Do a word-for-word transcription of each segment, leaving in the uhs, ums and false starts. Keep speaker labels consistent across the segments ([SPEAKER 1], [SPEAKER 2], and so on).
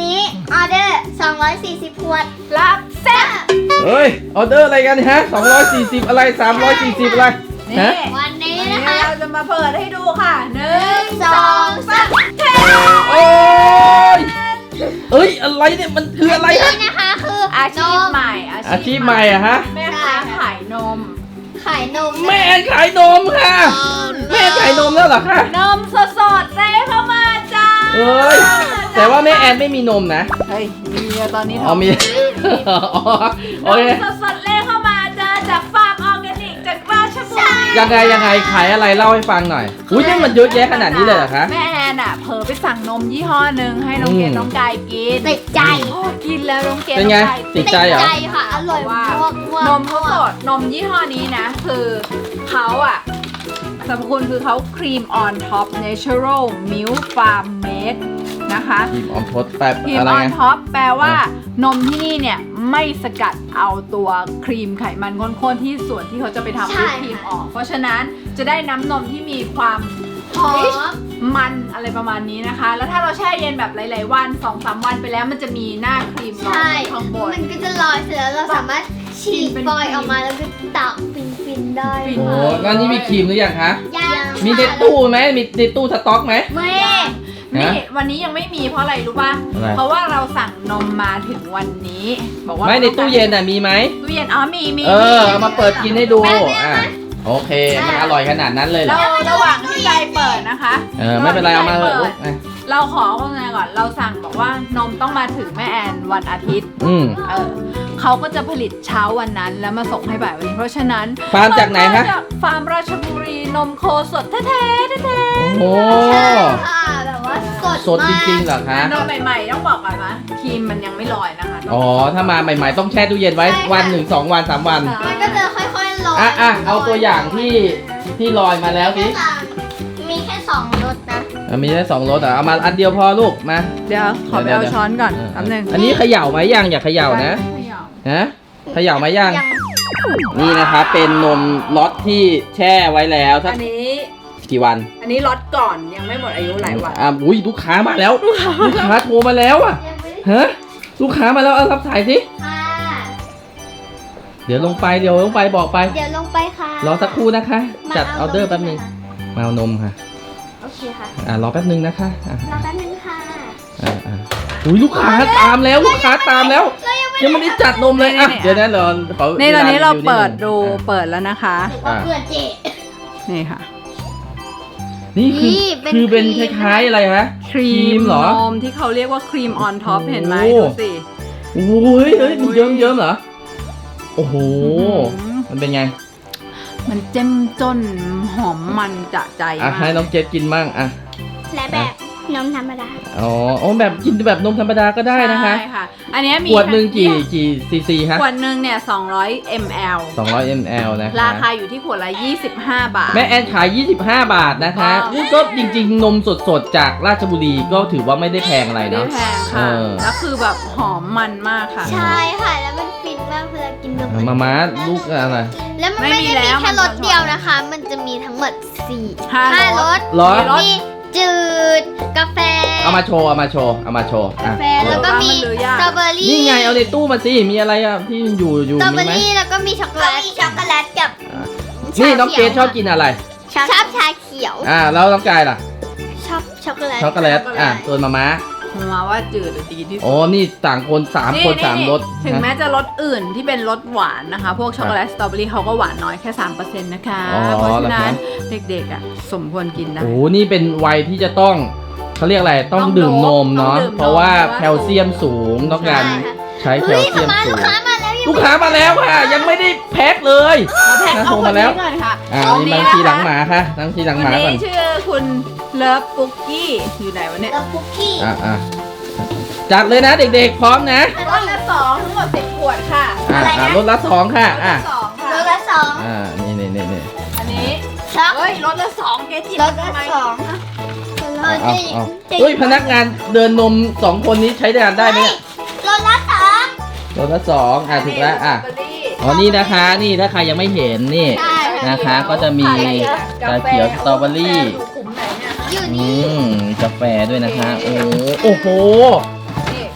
[SPEAKER 1] นี้ออเดอร์สองร้อยสี่สิบขวด
[SPEAKER 2] รับแซ่บ
[SPEAKER 3] เฮ้ยออเดอร์อะไรกันฮะสองร้อยสี่สิบอะไรสามร้อยสี่สิบอะไร
[SPEAKER 2] นี่
[SPEAKER 3] ฮะ
[SPEAKER 1] วันนี้
[SPEAKER 2] วัน
[SPEAKER 1] นะ
[SPEAKER 2] นี้
[SPEAKER 1] คะ
[SPEAKER 2] เราจะมาเปิดให้ดูค่ะหนึ่ง
[SPEAKER 1] สองสาม
[SPEAKER 3] โอ้ยเอ้ยอะไรเนี่ยมันคืออะไรฮะ
[SPEAKER 1] นี่นะคะคือ
[SPEAKER 2] อาชีพ
[SPEAKER 1] นม
[SPEAKER 2] ใหม่
[SPEAKER 3] อาชีพใหม่อะฮะ
[SPEAKER 2] แม่ค้าขายนม
[SPEAKER 1] ขายนม
[SPEAKER 3] แม่แอนขายนมค่ะแม่ขายนมแล้วเหรอคะ
[SPEAKER 2] นมสดๆเลยเข้ามาจ้า
[SPEAKER 3] เอ้ยแต่ว่าแม่แอนไม่มีนมนะ
[SPEAKER 2] เฮ้ยมีตอนนี้
[SPEAKER 3] อ๋อมีอ๋อโอเค
[SPEAKER 2] นมสดๆเลยเข้ามาจ้าจากฟาร์มออร์แกนิกจากราชบุรี
[SPEAKER 3] ยังไงยังไงขายอะไรเล่าให้ฟังหน่อยอุ้ยนี่มันเยอะแยะขนาดนี้เลยเหรอคะ
[SPEAKER 2] แม่แอนอ่ะเผลอไปสั่งนมยี่ห้อหนึ่งให้น้องเกด
[SPEAKER 3] อืม
[SPEAKER 2] น้องกายกิน
[SPEAKER 1] ติดใจ
[SPEAKER 2] โอ้กินแล้วน้องเกด
[SPEAKER 3] เป็นไง
[SPEAKER 2] องกาย
[SPEAKER 3] ติดใจเหรอ
[SPEAKER 1] ค่ะ อร่อยมาก
[SPEAKER 2] นมเขาสดนมยี่ห้อนี้นะ คือเขาอะสรรพคุณคือเขาครีมออนท็อป natural milk farm made นะคะ
[SPEAKER 3] ทีมออมทดแป๊บ
[SPEAKER 2] ครีม
[SPEAKER 3] อะไร
[SPEAKER 2] ออน
[SPEAKER 3] ไง
[SPEAKER 2] ท็อปแปลว่านมที่นี่เนี่ยไม่สกัดเอาตัวครีมไขมันข้นๆที่ส่วนที่เขาจะไปทำวิปครีมออก เพราะฉะนั้นจะได้น้ำนมที่มีความ
[SPEAKER 1] หอม
[SPEAKER 2] มันอะไรประมาณนี้นะคะ แล้วถ้าเราแช่เย็นแบบหลายๆวัน สองสาม วันไปแล้วมันจะมีหน้าครีมลอย
[SPEAKER 1] ใช่
[SPEAKER 2] ข้างบน
[SPEAKER 1] มันก็จะลอยเสร็จแล้วเราสามารถฉีดฟอยล์ออกมาแล้วก็ตักฟินๆได้
[SPEAKER 2] ฟิน
[SPEAKER 3] โอ้งั้นนี่มีครีมหรือยังคะ
[SPEAKER 1] ยัง
[SPEAKER 3] มีในตู้ไหมมีในตู้สต็อกไหม
[SPEAKER 2] ไม่ นี่วันนี้ยังไม่มีเพราะอะไรรู้ป่ะ
[SPEAKER 3] อะไร
[SPEAKER 2] เพราะว่าเราสั่งนมมาถึงวันนี้ บอกว่า
[SPEAKER 3] ไม่ในตู้เย็นน่ะมีไหม
[SPEAKER 2] ตู้เย็นอ๋อมีมี
[SPEAKER 3] เออเอามาเปิดกินให้ดู
[SPEAKER 1] แม่แม่
[SPEAKER 3] อ่ะโอเคมันอร่อยขนาดนั้นเลยเหร
[SPEAKER 2] เรา
[SPEAKER 3] อ
[SPEAKER 2] ระหว่างที่ใจเปิดนะคะ
[SPEAKER 3] เออไม่เป็นไรเอามาเถอะ
[SPEAKER 2] ระห
[SPEAKER 3] ลู
[SPEAKER 2] ว่ง
[SPEAKER 3] ก
[SPEAKER 2] ที่ใจ
[SPEAKER 3] อ่ะ
[SPEAKER 2] เปิดเราขอโฆษณาก่อนเราสั่งบอกว่านมต้องมาถึงแม่แอนวันอาทิตย์
[SPEAKER 3] อืม
[SPEAKER 2] เออเขาก็จะผลิตเช้าวันนั้นแล้วมาส่งให้บ่ายวันนี้เพราะฉะนั้น
[SPEAKER 3] ฟาร์มจากไหนคะ
[SPEAKER 2] มาจากฟาร์มราชบุรีนมโคสดแท้ๆแท้
[SPEAKER 3] โอ้
[SPEAKER 1] ใช่ค่ะแบบว่าสด
[SPEAKER 3] สดจริงๆเหรอคะ
[SPEAKER 2] ๆนมใหม่ๆต้องบอกก่อนนะครีมมันยังไม่ลอยนะคะ
[SPEAKER 3] อ๋อถ้ามาใหม่ๆต้องแช่ตู้เย็นไว้วันหนึ่งสองวันสามวัน
[SPEAKER 1] มันก็จะค่อยๆลอย
[SPEAKER 3] อ่ะอ่ะเอาตัวอย่างที่ที่ลอยมาแล้วสิ
[SPEAKER 1] แค่สามมีแค่สองรสนะ
[SPEAKER 3] อ่ะมีแค่สองรสอ่ะเอามาอันเดียวพอลูกมา
[SPEAKER 2] เดี๋ยวขอไปเอาช้อนก่อนแป๊บนึง
[SPEAKER 3] อันนี้เขย่าไหมยังอย่าเขย่านะ
[SPEAKER 2] ไม่ยอม
[SPEAKER 3] ฮะเขย่าไหมยังนี่นะครับเป็นนมล็อตที่แช่ไว้แล้วสัก
[SPEAKER 2] อันนี้
[SPEAKER 3] กี่วัน
[SPEAKER 2] อันนี้ล็อตก่อนยังไม่หมดอายุหลายวัน
[SPEAKER 3] อ่ะอุ้ยลูกค้ามาแล้วลูกค้าโทรมาแล้วอ่ะ
[SPEAKER 1] ยังไม่
[SPEAKER 3] ฮะลูกค้ามาแล้วเอารับสายสิ
[SPEAKER 1] ค่ะ
[SPEAKER 3] เดี๋ยวลงไปเดี๋ยวลงไปบอกไป
[SPEAKER 1] เดี๋ยวลงไปค่ะ
[SPEAKER 3] รอสักครู่นะคะ
[SPEAKER 1] มา
[SPEAKER 3] จัดออเดอร์แป๊บนึงมาเอานมค่ะ
[SPEAKER 1] โอเคค่ะ
[SPEAKER 3] อ่ารอแป๊บนึงนะคะอ่ะ
[SPEAKER 1] รอแป๊บนึงค่ะ
[SPEAKER 3] อ่าอ่าอุ้ยลูกค้าตามแล้วลูกค้าตามแล้ว ยังไม่ได้จัดนมเลยอ่ะเดี๋ยวนะเราขอ
[SPEAKER 2] นี่ตอนนี้เราเปิดดู
[SPEAKER 3] อ่ะ
[SPEAKER 2] เปิดแล้วนะคะ
[SPEAKER 1] หรือว่าเพื่อนเจ
[SPEAKER 2] นี่ค่ะ
[SPEAKER 3] นี่คือ
[SPEAKER 1] นี่เป็น
[SPEAKER 3] คือเป็น
[SPEAKER 1] ค
[SPEAKER 3] ค
[SPEAKER 1] รีม
[SPEAKER 3] ล้ายๆอะไรฮะ
[SPEAKER 2] ครี
[SPEAKER 3] ม
[SPEAKER 2] ม
[SPEAKER 3] เหรอน
[SPEAKER 2] มที่เขาเรียกว่าครีมออนท็อป
[SPEAKER 3] โอ้โห
[SPEAKER 2] เห็นไหมดูสิ
[SPEAKER 3] โอ้ยเฮ้ยมันเยิ้มเยิ้มๆเหรอโอ้โห
[SPEAKER 2] อื้อหือ
[SPEAKER 3] มันเป็นไง
[SPEAKER 2] มันเจ้มจนหอมมันจะใจ
[SPEAKER 3] อ่ะ
[SPEAKER 2] มา
[SPEAKER 3] ให้
[SPEAKER 2] ก
[SPEAKER 3] น้องเจดกินบ้างอ่ะ
[SPEAKER 1] และแบบนมธรรมดา
[SPEAKER 3] อ๋อโอ้แบบกินแบบนมธรรมดาก็ได้นะคะ
[SPEAKER 2] ใช่ค่ะ อันเนี้ยมี
[SPEAKER 3] ขวดหนึ่งกี่กี่ซีซีฮะ
[SPEAKER 2] ขวดหนึ่งเนี่ยสองร้อยมิลลิลิตร
[SPEAKER 3] สองร้อยมลนะคะ
[SPEAKER 2] ราคาอยู่ที่ขวดละยี่สิบห้าบาท
[SPEAKER 3] แม่แอนขาย ยี่สิบห้า บาทนะคะ
[SPEAKER 2] ว้าว
[SPEAKER 3] นี่ก็จริงๆ นมสดๆ จากราชบุรีก็ถือว่าไม่ได้แพงอะไร
[SPEAKER 2] ไม่ได้
[SPEAKER 3] เนาะ
[SPEAKER 2] แพง
[SPEAKER 3] เอ
[SPEAKER 2] ค่ะ
[SPEAKER 3] อ
[SPEAKER 2] แล้วคือแบบหอมมันมากค่ะ
[SPEAKER 1] ใช่ค่ะ แล้วมันฟินมากเวลากินนม
[SPEAKER 3] มาม้าลูกอะไร
[SPEAKER 1] แล้วมัน
[SPEAKER 2] ไม่
[SPEAKER 1] ไม่
[SPEAKER 2] มี
[SPEAKER 1] ได้
[SPEAKER 2] แล้
[SPEAKER 1] มี
[SPEAKER 2] ว
[SPEAKER 1] แค่
[SPEAKER 2] มัน
[SPEAKER 1] รส
[SPEAKER 2] จะ
[SPEAKER 1] เดียวนะคะ มันจะมีทั้งหมดสี่
[SPEAKER 2] ห้า
[SPEAKER 1] ห้าร ร
[SPEAKER 2] ส
[SPEAKER 1] ส
[SPEAKER 3] เหรอ
[SPEAKER 2] มีรส
[SPEAKER 1] มีจืด กาแฟ
[SPEAKER 3] เอามาโชว์ เอามาโชว์ เอามาโชว์
[SPEAKER 1] กา
[SPEAKER 3] อ่ะ
[SPEAKER 1] แฟ แล้วก็มี
[SPEAKER 2] มันเหลือยาก
[SPEAKER 1] สตรอเบอรี่
[SPEAKER 3] นี่ไงเอาในตู้มาสิ มีอะไรอ่ะที่อยู่อยู่
[SPEAKER 1] สตรอเบ
[SPEAKER 3] มี
[SPEAKER 1] อ
[SPEAKER 3] ไหม
[SPEAKER 1] รี่แล้วก็มีช็อกโกแลตมีช็อกโกแลตกับ
[SPEAKER 3] อ่ะนี่น้องเกดชอบกินอะไร
[SPEAKER 1] ชอบชอบชาเขียว
[SPEAKER 3] อ่าแล้วน้องกายล่ะ
[SPEAKER 1] ชอบช็อกโกแลต
[SPEAKER 3] ช็อกโกแลต อ่ะตัวมาม้า
[SPEAKER 2] มาว่าจืดหรือดีที่สุด
[SPEAKER 3] โอ้นี่ต่างคนสามคนสามรส
[SPEAKER 2] ถึง
[SPEAKER 3] นะ
[SPEAKER 2] แม้จะรสอื่นที่เป็นรสหวานนะคะ พวกช็อกโกแลตสตรอเบอรี่เขาก็หวานน้อยแค่ สามเปอร์เซ็นต์ นะคะ
[SPEAKER 3] อ๋อ
[SPEAKER 2] เพราะฉะนั้น
[SPEAKER 3] เหรอคะ
[SPEAKER 2] เด็กๆอ่ะสมควรกินได้
[SPEAKER 3] โอ้นี่เป็นวัยที่จะต้องเขาเรียกอะไร ต้อง
[SPEAKER 2] ต้อง
[SPEAKER 3] ดื่มนมเนาะ
[SPEAKER 2] ต้องดื่มนม
[SPEAKER 3] เพราะว่า
[SPEAKER 2] เพราะว่า
[SPEAKER 3] แคลเซียมสูง ต้องการใช้แค
[SPEAKER 1] เฮ้
[SPEAKER 3] ล
[SPEAKER 1] ย
[SPEAKER 3] เซียม
[SPEAKER 1] มา
[SPEAKER 3] สู
[SPEAKER 1] ลูก
[SPEAKER 3] ง
[SPEAKER 1] ค้ามาแล้ว
[SPEAKER 3] ลูกค้ามาแล้วค่ะ ยังไม่ได้แพ็คเลย
[SPEAKER 2] เอาแพ็ค
[SPEAKER 3] นะ
[SPEAKER 2] เอา
[SPEAKER 3] โทร
[SPEAKER 2] คน
[SPEAKER 3] มาแล้
[SPEAKER 2] นี้
[SPEAKER 3] ว
[SPEAKER 2] ก่อนค่ะ
[SPEAKER 3] อ่า
[SPEAKER 2] คน
[SPEAKER 3] นี่
[SPEAKER 2] นี้
[SPEAKER 3] บาง
[SPEAKER 2] นะ
[SPEAKER 3] ทีหลัง
[SPEAKER 2] คะ
[SPEAKER 3] หมาค่ะบางทีหลังหมา
[SPEAKER 2] คน
[SPEAKER 3] ก่อน
[SPEAKER 2] นี้ชื่อคุณเลิฟปุกกี้อยู่ไหนวะเนี่ย
[SPEAKER 1] กับคุกกี้
[SPEAKER 3] อ่าอ่าจัดเลยนะเด็กๆ พร้อมนะ
[SPEAKER 2] รสละสองทั้งหมดสิบขวดค่ะ
[SPEAKER 3] อ่า
[SPEAKER 1] อะไรนะ
[SPEAKER 3] อ่ารถละสองค่ะ
[SPEAKER 2] รส
[SPEAKER 3] อ่า
[SPEAKER 2] ละสองค่ะ
[SPEAKER 1] รสละสอง
[SPEAKER 3] อ่านี่นี่นี่นี่
[SPEAKER 2] อันนี้
[SPEAKER 1] ช็อก
[SPEAKER 2] เฮ้ยรสละสองเกจิ
[SPEAKER 1] รสละ
[SPEAKER 2] ทำไม
[SPEAKER 1] สองเอ
[SPEAKER 3] เอา
[SPEAKER 1] อ
[SPEAKER 3] เอา
[SPEAKER 1] จริง
[SPEAKER 3] เอา
[SPEAKER 1] จริง
[SPEAKER 3] เฮ้ยพนักงานเดินนมสองคนนี้ใช้งานได้ไหมเนี่ย
[SPEAKER 1] รสละสอง
[SPEAKER 3] รถละสองอ่าถูกแล้วอ่ะ
[SPEAKER 2] สตรเบอรี่
[SPEAKER 3] อ๋อนี่นะคะนี่ถ้าใครยังไม่เห็นนี่
[SPEAKER 1] ใช่
[SPEAKER 3] นะคะก็จะมีชาเขียวสตรอเบอรี่
[SPEAKER 2] กลุ่มไหนเนี่ย
[SPEAKER 1] อยู่
[SPEAKER 3] อื
[SPEAKER 1] นี่
[SPEAKER 3] มมีกาแฟด้วยนะคะ โอ้โอ้โห
[SPEAKER 2] นี่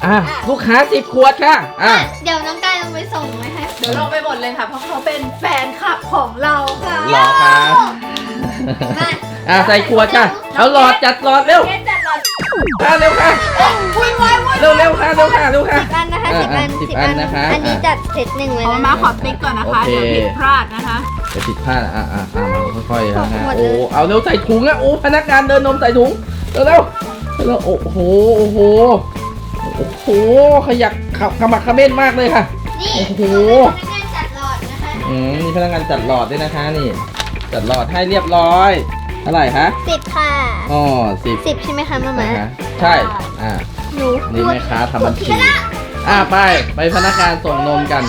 [SPEAKER 3] อ่ะลูกค้าสิบขวดค่ะอ่ะ
[SPEAKER 1] เดี๋ยวน้องกายลงไปส่งไว้ให้
[SPEAKER 2] เดี๋ยวลงไปหมดเลยค่ะ เพราะเขาเป็นแฟนคลับของเราค่ะ
[SPEAKER 3] รอค่ะ
[SPEAKER 1] มา
[SPEAKER 3] อ่ะใส่ขวดค่ะเอาหลอดจัดหลอดเร็ว
[SPEAKER 2] เกสจัดหลอด
[SPEAKER 3] อ่ะเร็วค่ะ
[SPEAKER 2] วุ่นวายวุ่น
[SPEAKER 3] เร็วเร็วค่ะเร็วค่ะเร็วค่ะ
[SPEAKER 1] สิบอันนะคะสิบอัน
[SPEAKER 3] อ่ะสิบอันนะคะ
[SPEAKER 1] อันนี้จัดเซตหนึ่งเลย
[SPEAKER 2] เอา
[SPEAKER 1] นะ
[SPEAKER 2] มาขอติ๊กก่อนนะคะ
[SPEAKER 3] โอเค
[SPEAKER 2] เดี๋ยวผิดพลาดนะคะ
[SPEAKER 3] จะผิดพลาดอ่ะอ่ะอ่ะมาค่อยๆนะฮะ
[SPEAKER 1] หมด
[SPEAKER 3] โอ้
[SPEAKER 1] เลย
[SPEAKER 3] เอาเร็วใส่ถุงอ่ะโอ้พนักงานเดินนมใส่ถุงเร็วเร็วเร็วโอ้โหโอ้โหโอ้โหขยักขขมักเขม้นมากเลยค่ะ
[SPEAKER 1] นี่
[SPEAKER 3] โอ้โห
[SPEAKER 1] พนักงานจัดหลอดนะคะ
[SPEAKER 3] อืมมีพนักงานจัดหลอดด้วยนะคะนี่ จัดหลอดให้เรียบร้อยเท่าไหร่คะ
[SPEAKER 1] สิบค่ะ
[SPEAKER 3] อ๋อสิบ
[SPEAKER 1] สิบใช่ไหมคะมาม่า
[SPEAKER 3] นะคะใช่อ่า
[SPEAKER 1] หนู
[SPEAKER 3] นี่แม่ค้าทำบัญชีอ่าไปไปพนักงานส่งนมกัน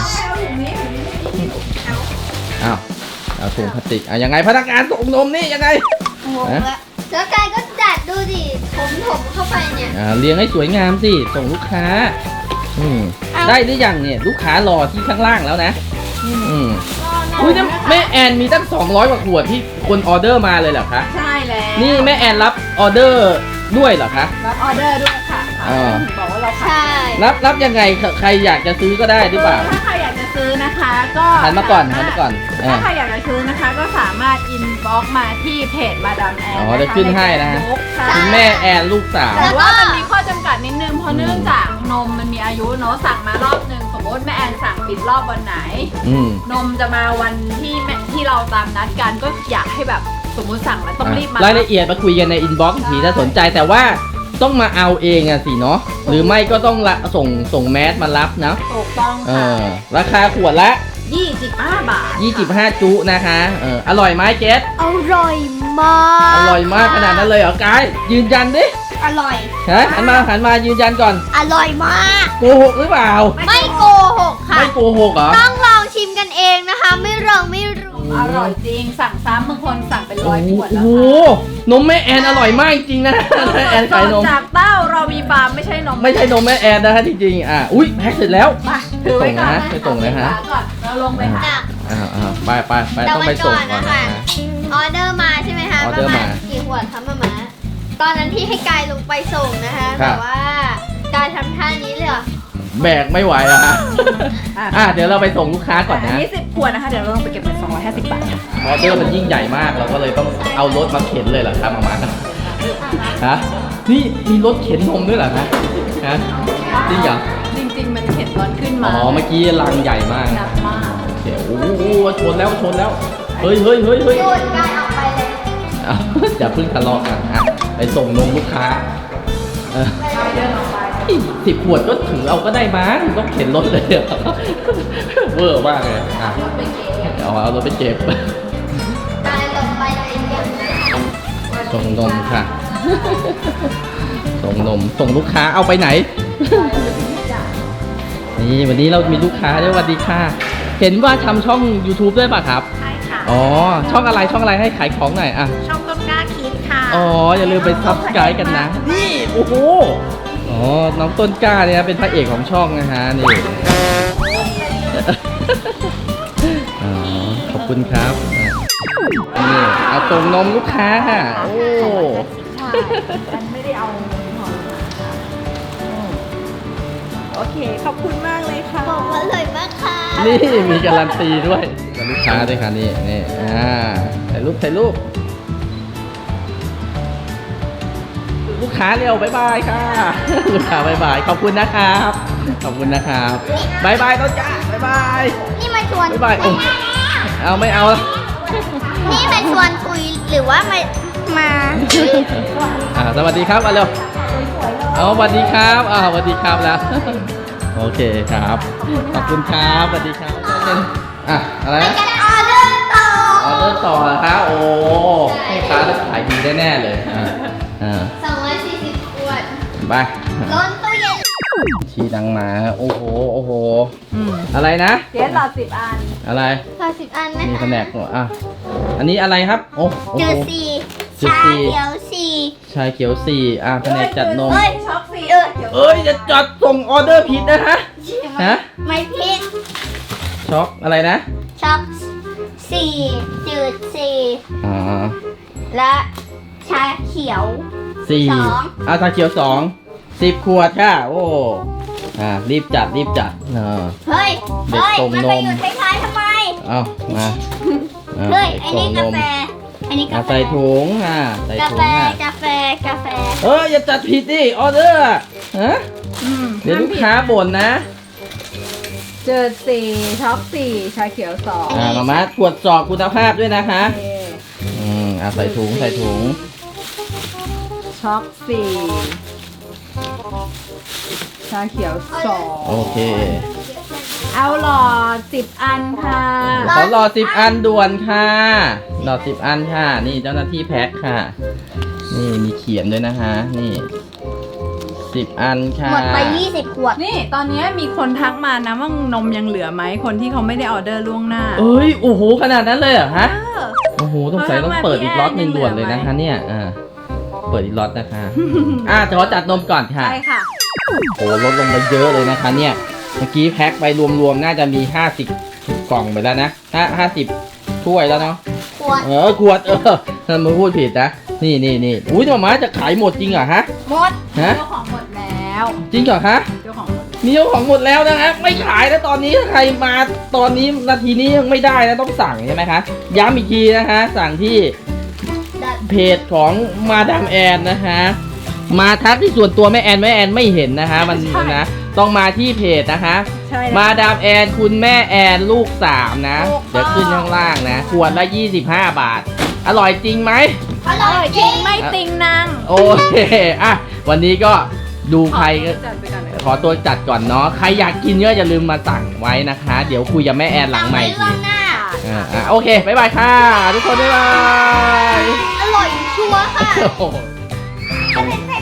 [SPEAKER 3] อ้าวเอาถุงพลาสติกอ่ะยังไงพนักงานส่งนมนี่ยังไง
[SPEAKER 1] โอ้โหแล้วกายก็จัดดูดิผมผมเข้าไปเนี่ย
[SPEAKER 3] อ่าเรียงให้สวยงามสิส่งลูกค้าอืม
[SPEAKER 1] เอา
[SPEAKER 3] ได้หรือยังเนี่ยลูกค้ารอที่ข้างล่างแล้วนะอืมอุ้ยนี่แม่แอนมีตั้งสองร้อยกว่าขวดที่คนออเดอร์มาเลยเหรอคะ
[SPEAKER 2] ใช่แล้ว
[SPEAKER 3] นี่แม่แอนรับออเดอร์ด้วยเหรอคะ
[SPEAKER 2] รับออเดอร์ด้วยค่ะ
[SPEAKER 3] อ่า
[SPEAKER 2] ถึงบอกว่าเรา
[SPEAKER 1] ใช่
[SPEAKER 3] รับรับยังไงใครอยากจะซื้อก็ได้หรือเปล่า
[SPEAKER 2] ถ้าใครอยากจะซื้อนะคะ ก็
[SPEAKER 3] หันมาก่อนหันมาก่อนอ่า
[SPEAKER 2] ถ้าใครอยากจะซื้อนะคะ ก็สามารถอินบ็อกมาที่เพจมาดามแอน
[SPEAKER 3] อ๋อเดี๋ยวขึ้นให้นะฮะ
[SPEAKER 2] ใช่
[SPEAKER 3] คุณแม่แอนลูกสาว
[SPEAKER 2] แต่ว่ามันมีข้อจำกัดนิดนึงเพราะเนื่องจากนมมันมีอายุเนาะสั่งมารอบหนึ่งสมมติแม่แอนสั่งปิดรอบวันไหน
[SPEAKER 3] อืม
[SPEAKER 2] นมจะมาวันที่แม่ที่เราตามนัดกันก็อยากให้แบบสมมุติสั่งแล้วต้องรีบมาร
[SPEAKER 3] ายละเอียดมาคุยกันในอินบ็อกซ์ทีถ้าสนใจแต่ว่าต้องมาเอาเองอะสิเนาะหรือไม่ก็ต้องละส่งส่งแมสมารับนะ
[SPEAKER 2] ถูกต้อง
[SPEAKER 3] เอ
[SPEAKER 2] ค่ะ
[SPEAKER 3] อราคาขวดละ
[SPEAKER 2] ยี่สิบห้าบาท
[SPEAKER 3] ยี่สิบห้าจุนะคะเอออร่อยไหมเจส
[SPEAKER 1] อร่อยมาก
[SPEAKER 3] อร่อยมากขนาดนั้นเลยเหรอกายยืนยันดิ
[SPEAKER 1] อร่อย
[SPEAKER 3] ฮะหันมาหันมายืนยันก่อน
[SPEAKER 1] อร่อยมาก
[SPEAKER 3] โกหกหรือเปล่า
[SPEAKER 1] ไม่โกหกค่ะ
[SPEAKER 3] ไม่โกหกเหรอ
[SPEAKER 1] ต้องลองชิมกันเองนะคะ ไม่ลองไม่รู้
[SPEAKER 2] อร่อยจริงสั่งซ้ำบางคนสั่งเป็น
[SPEAKER 3] โอ้
[SPEAKER 2] ร้อยขวดแล้ว
[SPEAKER 3] โห
[SPEAKER 2] ค่ะ
[SPEAKER 3] นมแม่แอนอร่อยมากจริงๆนะแม่แอนขายนม
[SPEAKER 2] จากเต้าเรามีฟาร์มไม่ใช่นม
[SPEAKER 3] ไม่ใช่นมแม่แอนนะฮะจริงๆอ่ะอุ้ยแพ็คเสร็จแล้ว
[SPEAKER 2] ไปถือไว้ก่อน
[SPEAKER 3] ไปส่งนะฮะ
[SPEAKER 2] เอาก่อนเราลงไปหา
[SPEAKER 1] จ้ะ
[SPEAKER 3] อ่าอ่าไปไปไป
[SPEAKER 1] เดี๋ยว
[SPEAKER 3] ต้องไปส่งก่อน
[SPEAKER 1] วันก่อน
[SPEAKER 3] นะ
[SPEAKER 1] นะคะ ออเดอร์มาใช่ไหมคะ
[SPEAKER 3] ออเดอร์มา
[SPEAKER 1] กี่ขวดคะมาม่าตอนนั้นที่ให้กายลงไปส่งนะคะ
[SPEAKER 3] ครั
[SPEAKER 1] แต่
[SPEAKER 3] บ
[SPEAKER 1] ว่าการทำท่านี้เลยเหรอ
[SPEAKER 3] แบกไม่ไหวอะฮะอ่ะเดี๋ยวเราไปส่งลูกค้าก่อน
[SPEAKER 2] อัน
[SPEAKER 3] นะ
[SPEAKER 2] นี้สิบขวดนะคะ เดี๋ยวเราลงไปเก็บเป็นสองร้อยห้าสิบบาท
[SPEAKER 3] ออเดอร์มันยิ่งใหญ่มากเราก็เลยต้องเอารถมาเข็นเลยเหรอครับมามาฮะนี่มีรถเข็นนมด้วยเหรอฮะฮะจริงเหรอ
[SPEAKER 2] จริงๆ มันเข็นตอนขึ้น
[SPEAKER 3] อ๋
[SPEAKER 2] มา
[SPEAKER 3] อเมื่อกี้ลังใหญ่มาก
[SPEAKER 2] หนักมาก
[SPEAKER 3] เดี๋ยวโอ้โหชนแล้วชนแล้วเฮ้ยเฮ้ยเฮ้ยเฮ้ย
[SPEAKER 1] โดนกายออกไปเลย
[SPEAKER 3] เอาอย่าเพิ่งทะเลาะกันอ่ะไปส่งนมลูกค้าเออ
[SPEAKER 2] เดินออกไป
[SPEAKER 3] สิบขวดก็ถือเอาก็ได้มั้งต้องเข็นรถเลยอะเวอร์มากเลยอ่ะ
[SPEAKER 2] รถไปเก็บ
[SPEAKER 3] เอาเอารถไปเก็บ
[SPEAKER 1] กายลงไปเลยยัง
[SPEAKER 3] ส่งนมค่ะ ส่งนม ส่งลูกค้าเอาไปไหน นี่วันนี้เรามีลูกค้าด้วยสวัสดีค่ะ เห็นว่าทำช่อง YouTube ด้วยป่ะครับ
[SPEAKER 1] ใช่ค่ะ
[SPEAKER 3] อ๋อ ช่องอะไรช่องอะไรให้ขายของหน่อยอ่ะ
[SPEAKER 1] ช่องต้นกล้าคิดค่ะ
[SPEAKER 3] อ๋อ อย่าลืมไปซับสไครต์กันนะ นี่ โอ้โห อ๋อ น้องต้นกล้าเนี่ยเป็นพระเอกของช่องนะฮะ นี่ อ๋อ ขอบคุณครับอ่ะนี่เอาส่งนมลูกค้าค่ะ โอ้
[SPEAKER 2] ใช่มันไม่ได้เอาหอมโอเค ขอบคุณมากเลยค่ะ
[SPEAKER 1] บอกว่าอร่อยมากค่ะ
[SPEAKER 3] นี่มีการันตีด้วยกับลูกค้าด้วยค่ะนี่นี่อ่าถ่ายรูปถ่ายรูปลูกค้าเร็วบ๊ายบายค่ะ ลูกค้าบ๊ายบายขอบคุณนะครับขอบคุณนะครับบ๊ายบายต้นจ้าบ๊ายบาย
[SPEAKER 1] นี่มาชวน
[SPEAKER 3] บ๊ายบายโอ้เอาไม่เอาละ
[SPEAKER 1] นี่มาชวนคุยหรือว่ามามา
[SPEAKER 3] อ่าสวัสดีครับมาเร็วเอาสวัสดีครับอ่าสวัสดีครับแล้ว โอเคครับขอบคุณครับสวัสดีครับอ่ะอะไร
[SPEAKER 1] ไป
[SPEAKER 3] นะ
[SPEAKER 1] กันออเดอร์ต่อ
[SPEAKER 3] ออเดอร์ต่อนะครับโอ้ลูกค้าจะขายดีแน่ๆเลยอ่าอ่า
[SPEAKER 1] สองร้อยสี่สิบขวด
[SPEAKER 3] ไป
[SPEAKER 1] ล้นตู้เย็น
[SPEAKER 3] ชี้ดังมาโอ้โหโอ้โห
[SPEAKER 2] อืม
[SPEAKER 3] อะไรนะ
[SPEAKER 2] เจ๊หลอดสิบอัน
[SPEAKER 3] อะไร
[SPEAKER 1] พอสิบอันนะ
[SPEAKER 3] มี
[SPEAKER 1] คะ
[SPEAKER 3] แผนกหมดอ่ะอันนี้อะไรครับโอ้โอ้
[SPEAKER 1] เจ
[SPEAKER 3] โห
[SPEAKER 1] อสี่
[SPEAKER 3] เจอ
[SPEAKER 1] ชา
[SPEAKER 3] สี่
[SPEAKER 1] เขียวสี่
[SPEAKER 3] ชายเขียวสี่อ่ะแผนกจัดนม
[SPEAKER 2] เอ้ยช็อกสี่
[SPEAKER 1] เออ
[SPEAKER 3] เอ้ยจะจัดส่งออเดอร์ผิดนะฮะ ฮะ
[SPEAKER 1] ไม่พิษ
[SPEAKER 3] ช็อกอะไรนะ
[SPEAKER 1] ช็อกสี่จืดสี่
[SPEAKER 3] อ๋อ
[SPEAKER 1] และชาเขียว
[SPEAKER 3] สี่
[SPEAKER 1] สอง
[SPEAKER 3] เอาชาเขียวสองสิบขวดค่ะโอ้อ่ารีบจัดรีบจัดเออ
[SPEAKER 1] เฮ้ย
[SPEAKER 3] เด็ก
[SPEAKER 1] เฮ้ย
[SPEAKER 3] ส่ง
[SPEAKER 1] มัน
[SPEAKER 3] น
[SPEAKER 1] ไป
[SPEAKER 3] ม
[SPEAKER 1] อยู่ท้ายๆทำไม
[SPEAKER 3] เอามาอ่า
[SPEAKER 1] เฮ้ย
[SPEAKER 3] เด็
[SPEAKER 1] ไอ้
[SPEAKER 3] ส่
[SPEAKER 1] นี่
[SPEAKER 3] ง
[SPEAKER 1] กาน
[SPEAKER 3] ม
[SPEAKER 1] แฟอันนี้
[SPEAKER 3] อ่ะ
[SPEAKER 1] กาแฟ
[SPEAKER 3] ใส่ถุงอ่ะใส่
[SPEAKER 1] กา
[SPEAKER 3] ถุ
[SPEAKER 1] แฟ
[SPEAKER 3] งอ่ะ
[SPEAKER 1] กาแฟกาแฟ
[SPEAKER 3] เอออย่าจัดผิดดิออเดอร์อ่ะฮะ
[SPEAKER 2] อืม
[SPEAKER 3] เดี๋ยวลูกค้าบ่นนะ
[SPEAKER 2] เจอสี่ช็อกสี่ชาเขียวสอง
[SPEAKER 3] อ่ามามาตรวจสอบคุณภาพด้วยนะคะ
[SPEAKER 2] โอเค
[SPEAKER 3] อืมอ่ะใส่ถุงใส่ถุง
[SPEAKER 2] ช็อกสี่ชาเขียวสอง
[SPEAKER 3] โอเค
[SPEAKER 2] เอาหลอดสิบอันค่ะ
[SPEAKER 3] ขอรอสิบอันด่วนค่ะรอสิบอันค่ะ นี่เจ้าหน้าที่แพ็คค่ะ นี่มีเขียนด้วยนะคะ นี่สิบอันค่ะ
[SPEAKER 1] หมดไปยี่สิบขวด
[SPEAKER 2] นี่ตอนนี้มีคนทักมานะว่านมยังเหลือไหมคนที่เขาไม่ได้ออเดอร์ล่วงหน้า
[SPEAKER 3] เอ้ยโอ้โหขนาดนั้นเลยเหรอฮะ
[SPEAKER 2] เออ
[SPEAKER 3] โอ้โหต้องใส่ต้องเปิดอีกล็อตหนึ่งด่วนเลยนะคะเนี่ยอ่าเปิดอีกล็อตนะคะ อ่ะขอจัดนมก่อนค่ะ
[SPEAKER 2] ใช่ค่ะ
[SPEAKER 3] โอ้ลดลงไปเยอะเลยนะคะเนี่ยเมื่อกี้แพ็คไปรวมๆน่าจะมีห้าสิบกล่องไปแล้วนะห้าห้าสิบถ้วยแล้วเนาะ
[SPEAKER 1] ขวด
[SPEAKER 3] เออขวดเออท่านมาพูดผิดนะนี่นี่นี่อุ้ยหมาม้าจะขายหมดจริงเหรอฮะ
[SPEAKER 1] หมด
[SPEAKER 3] ฮะ
[SPEAKER 2] เจ้าของหมดแล้ว
[SPEAKER 3] จริงเหรอฮะ
[SPEAKER 2] เจ้าของหมด
[SPEAKER 3] มีเจ้าของหมดแล้วนะฮะไม่ขายแล้วตอนนี้ถ้าใครมาตอนนี้นาทีนี้ยังไม่ได้นะต้องสั่งใช่ไหมคะย้ำอีกทีนะคะสั่งที่
[SPEAKER 1] ดัด
[SPEAKER 3] เพจของมาดามแอนนะคะมาทักที่ส่วนตัวแม่แอนแม่แอนไม่เห็นนะคะมันนะต้องมาที่เพจนะคะ
[SPEAKER 2] ใช่แล้ว
[SPEAKER 3] มาดามแอนคุณแม่แอนลูกสามนะ
[SPEAKER 2] ถูกต้อง
[SPEAKER 3] เดี๋ยวขึ้นข้างล่างนะขวดละยี่สิบห้าบาท อร่อยจริงไหม
[SPEAKER 1] อร่อยจริง
[SPEAKER 2] ไม่ติงนาง
[SPEAKER 3] โอเคอ่ะวันนี้ก็ดูใครก็
[SPEAKER 2] จัดไปก่อนเลย
[SPEAKER 3] ขอตัวจัดก่อนเนาะใครอยากกินก็อย่าลืมมาสั่งไว้นะคะ เดี๋ยวคุยกับแม่แอนหลังใหม่
[SPEAKER 1] สั่
[SPEAKER 3] ที
[SPEAKER 1] งไว้ล่วงหน้า
[SPEAKER 3] อ่าอ่ะโอเคบ๊ายบายค่ะ ทุกคนบ๊ายบาย
[SPEAKER 1] อร่อยชัวร์ค่ะ
[SPEAKER 3] โอ้โห
[SPEAKER 1] อันนี้